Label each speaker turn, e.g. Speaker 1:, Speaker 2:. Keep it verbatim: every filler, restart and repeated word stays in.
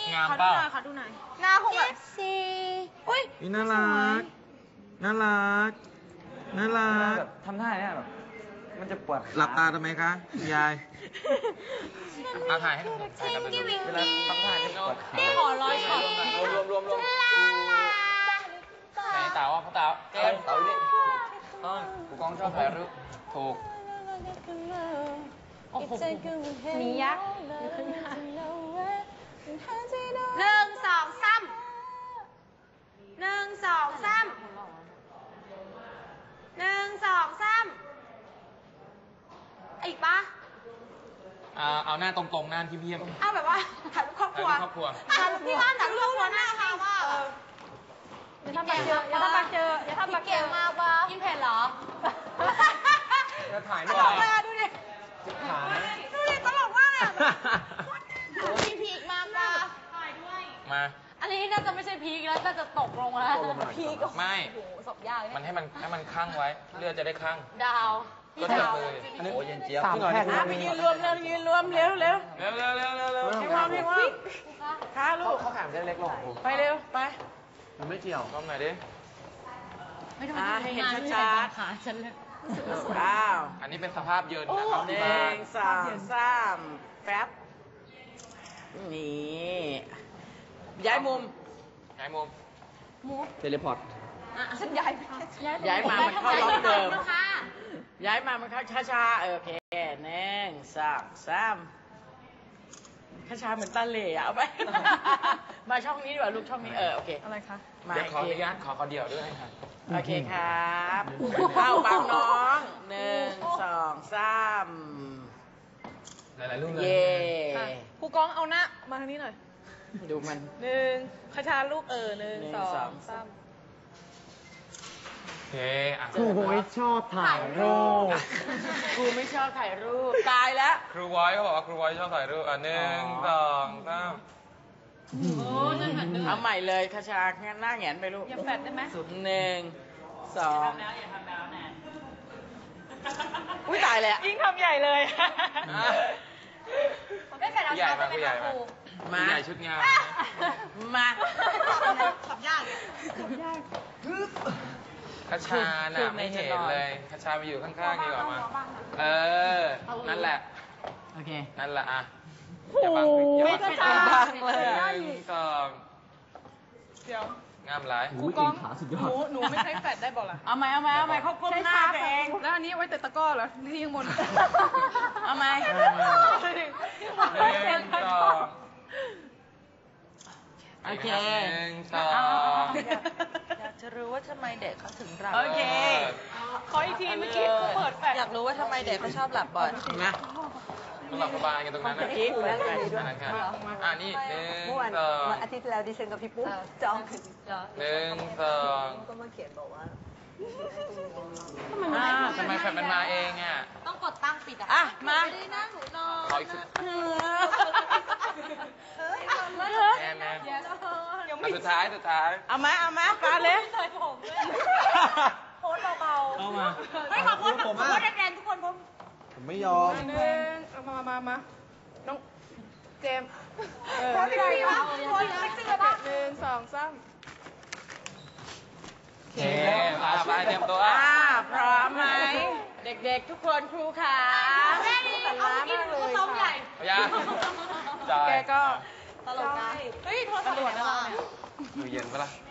Speaker 1: งามเปล่า
Speaker 2: ขอดูหน่อยหน้าคงแบบซีอุ้ย
Speaker 3: น่ารักน่ารักน่ารัก
Speaker 4: ทำท่าเนี่ยแบบมันจะปวด
Speaker 3: หลับตาทำไมคะยาย
Speaker 1: มาถ่ายให้ถ่ายกันดู
Speaker 4: เวลาทำท่าเนี่ยปวดขา
Speaker 2: ขอร้อยช็อต
Speaker 1: รวมรวมรวมไหนเต๋าพ่อเต๋าเจ๊เต๋าดิต้องกูกองชอบถ่ายรูปถูก
Speaker 2: โอ้โหมียักษ์หนึ่งสองสามหนึ่งสองสามหนึ่งสองสามอีกปะ
Speaker 1: เอาหน้าตรงๆหน้าที่เพี้ยม
Speaker 2: เอาแบบว่าถ่ายรูปครอบครัว
Speaker 1: ครอบครัว
Speaker 2: ถ่ายรูปที่บ้านถ่ายรูปครอบครัวหน้าค่ะว่าอย่าทำปากเจออย่าทำปากเจออย่าทำปากเจอมากปะกินเผ็ดเหรอ
Speaker 1: จะถ่ายไม่
Speaker 2: ได้ดูดิดูดิตลกมากเลยพีพีกมากปะถ่ายด้วย
Speaker 1: มา
Speaker 2: อันนี้น่าจะไม่ใช่พีกแล้วน่าจะตกลงแล้วพีก
Speaker 1: ไม่
Speaker 2: ศพยาก
Speaker 1: มันให้มันให้มันคั่งไว้เลือดจะได้คั่ง
Speaker 2: ดาว
Speaker 1: ก็จะเลย
Speaker 4: อันนี้โอ้เย็นเจี๊ยบ
Speaker 3: สามแผ่น
Speaker 2: ไปยืนรวมเร็วยืนรวมเร็วเร็ว
Speaker 1: เร็วเร็วเร็วเร็วเร็ว
Speaker 2: พี่ว่าพี่ว่าขาลูก
Speaker 4: เขาแขมได้เล็กลง
Speaker 2: ไปเร็วไป
Speaker 4: มันไม่เกี่ยว
Speaker 1: ก้มหน่อยดิ
Speaker 2: ไม่ต้องให้เห็นชัดๆขาฉันเลย
Speaker 3: ว้าว
Speaker 1: อันนี้เป็นสภาพเยินนะครับ
Speaker 3: หนึ่งสองสามแป๊บนี่ย้ายมุม
Speaker 1: ย้ายมุม
Speaker 2: มุม
Speaker 4: เทเลพอร์ต
Speaker 2: ฉันย้าย
Speaker 3: ย้ายมามันเข้าล็อกเดิมย้ายมามันเข้าช้าๆโอเคหนึ่งสองสามช้าๆเหมือนตาเหล่เอาไปมาช่องนี้ดีกว่าลูกช่องนี้เออโอเค
Speaker 2: อะไรคะ
Speaker 1: เดี๋ยวขออนุญาตขอขอเดี่ยวด้วยค่ะ
Speaker 3: โอเคครับเข้าบังน้องหนึ่งสองสาม
Speaker 1: หลายๆรูปเลย
Speaker 3: เย่
Speaker 2: ครูกองเอาหน้ามาทางนี้หน่อย
Speaker 3: ดูมัน
Speaker 2: หนึ่งคาชาลูกเออหนึ่งสองสาม
Speaker 1: โอเคอ่ะ
Speaker 3: ครูไม่ชอบถ่ายรูปครูไม่ชอบถ่ายรูปตายแล้ว
Speaker 1: ครูไว้เขาบอกว่าครูไว้ชอบถ่ายรูปอ่ะหนึ่งสองสาม
Speaker 2: โอ้ยนั่นเหมือนเดิม
Speaker 3: เอาใหม่เลยคาชางั้นหน้าแหงนไปลูก
Speaker 2: ยังแฟดได้ไหม
Speaker 3: สุดหนึ่งสอง
Speaker 2: อย่าทำแล้วแน่
Speaker 3: อุ้ยตายแล้ว
Speaker 2: ยิ่งทำใหญ่เลยไม่แฟดเอา
Speaker 1: ใหญ่
Speaker 2: เท้า
Speaker 1: มา
Speaker 2: ไป
Speaker 1: ใหญ่
Speaker 2: ครู
Speaker 3: มา
Speaker 1: ใหญ่ชุดงาน
Speaker 3: มา
Speaker 2: ขับยากขับยาก
Speaker 1: คาชาน่ะไม่เห็นเลยคาชาไปอยู่ข้างๆดีกว่ามาเออนั่นแหละ
Speaker 3: โอเค
Speaker 1: นั่นแหละอ่ะ
Speaker 3: อย่าบังไม่ใช่บังเลย
Speaker 1: หนึ่งสอง
Speaker 2: เดี๋ยว
Speaker 1: งามหลาย
Speaker 2: ครูกองหนูหนูไม่ใช้แฟดได้บอกล่ะ
Speaker 3: เอาไหมเอาไหมเอาไหมเขาก้มหน้าตัวเอง
Speaker 2: แล้วอันนี้ไว้แต่ตะก้อเหรอที่ยังบน
Speaker 3: เอาไหม
Speaker 1: หนึ่งสอง
Speaker 3: โอเค
Speaker 1: หนึ่งสอง
Speaker 5: อยากจะรู้ว่าทำไมเด็กเขาถึงหลับ
Speaker 3: โอเค
Speaker 2: ขออีกทีเมื่อกี้เขาเปิดแฟลช
Speaker 5: อยากรู้ว่าทำไมเด็กเขาชอบหลับบ่อย
Speaker 3: นะ
Speaker 1: ต้องหลับสบายกันตรงนั้นนะ
Speaker 3: กิ๊กนั่นไง
Speaker 1: อ่านี่หนึ่งสอง
Speaker 6: อาทิตย์ที่แล้วดิฉันกับพี่ปุ๊บจอง
Speaker 1: หนึ่งสอง
Speaker 6: ก็มาเขียนบอกว่า
Speaker 1: ทำไมแฟนมันมาเองอ่ะ
Speaker 2: ต้องกดตั้งปิดอ่ะ
Speaker 3: อ่ะมา
Speaker 2: ไม่ได้นั่งหนูนอน
Speaker 1: ขออีกสุดแม่แม่สุดท้ายสุดท้าย
Speaker 3: เอามาเอามาปาเลย
Speaker 2: ใส่ผมด้วยโพสเบาๆ
Speaker 3: เอามา
Speaker 2: ไม่ขอโพสแบบโพสแรงๆทุกคนผม
Speaker 3: ผมไม่ยอม
Speaker 2: หนึ่งเอามามามาน้องเจมส์โพสพี่พี่วะโพสเซ็กซี่ป่ะหนึ่งสองสาม
Speaker 1: โอเคมาไปเตรียมตัว
Speaker 3: อ่าพร้อมไหมเด็กๆทุกคนครูขา
Speaker 2: แม่นี่เอากินข้าวต้มใหญ่
Speaker 1: แก
Speaker 2: ก็ตลกนะเฮ้ยโทรศัพท์ตำรวจนะเราเนี่ย
Speaker 1: ดูเย็นปะล่ะ